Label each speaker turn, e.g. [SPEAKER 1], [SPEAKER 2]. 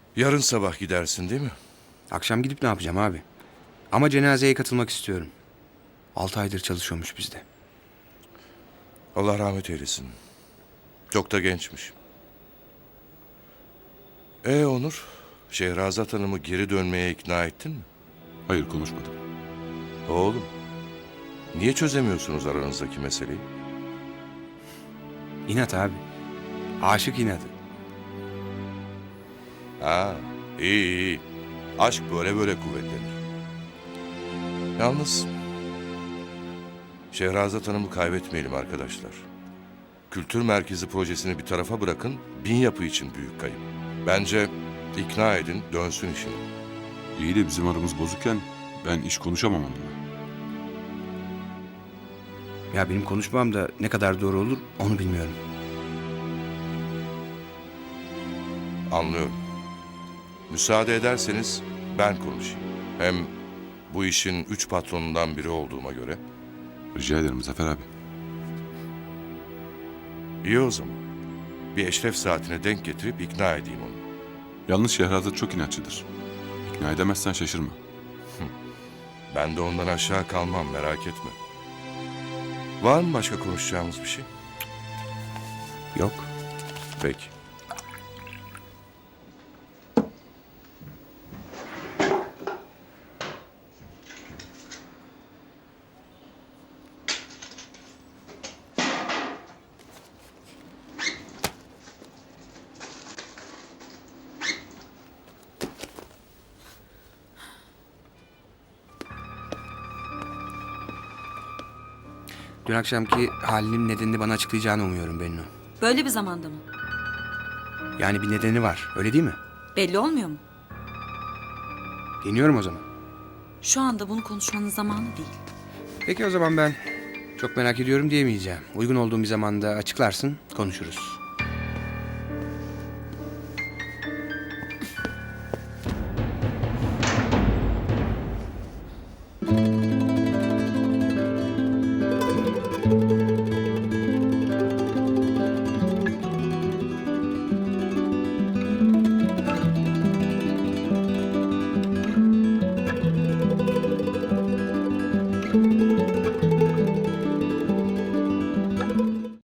[SPEAKER 1] Yarın sabah gidersin değil mi?
[SPEAKER 2] Akşam gidip ne yapacağım abi? Ama cenazeye katılmak istiyorum. 6 aydır çalışıyormuş bizde.
[SPEAKER 1] Allah rahmet eylesin. Çok da gençmiş. Onur, Şehrazat Hanım'ı geri dönmeye ikna ettin mi?
[SPEAKER 3] Hayır, konuşmadım.
[SPEAKER 1] Oğlum, niye çözemiyorsunuz aranızdaki meseleyi?
[SPEAKER 2] İnat abi. Aşık inadı.
[SPEAKER 1] Ha, iyi. Aşk böyle kuvvetlenir. Yalnız Şehrazat Hanım'ı kaybetmeyelim arkadaşlar. Kültür merkezi projesini bir tarafa bırakın, bin yapı için büyük kayıp. Bence ikna edin, dönsün işine.
[SPEAKER 3] İyi de bizim aramız bozukken ben iş konuşamam onunla.
[SPEAKER 2] Ya benim konuşmam da ne kadar doğru olur onu bilmiyorum.
[SPEAKER 1] Anlıyorum. Müsaade ederseniz ben konuşayım. Hem bu işin 3 patronundan biri olduğuma göre.
[SPEAKER 3] Rica ederim Zafer abi.
[SPEAKER 1] İyi o zaman. Bir eşref saatine denk getirip ikna edeyim onu.
[SPEAKER 3] Yalnız Şehrazat çok inatçıdır. İkna edemezsen şaşırma.
[SPEAKER 1] Ben de ondan aşağı kalmam, merak etme. Var mı başka konuşacağımız bir şey?
[SPEAKER 2] Yok.
[SPEAKER 1] Peki.
[SPEAKER 2] Dün akşamki halinin nedenini bana açıklayacağını umuyorum Bennu.
[SPEAKER 4] Böyle bir zamanda mı?
[SPEAKER 2] Yani bir nedeni var, öyle değil mi?
[SPEAKER 4] Belli olmuyor mu?
[SPEAKER 2] Deniyorum o zaman.
[SPEAKER 4] Şu anda bunu konuşmanın zamanı değil.
[SPEAKER 2] Peki o zaman ben çok merak ediyorum diyemeyeceğim. Uygun olduğum bir zamanda açıklarsın, konuşuruz.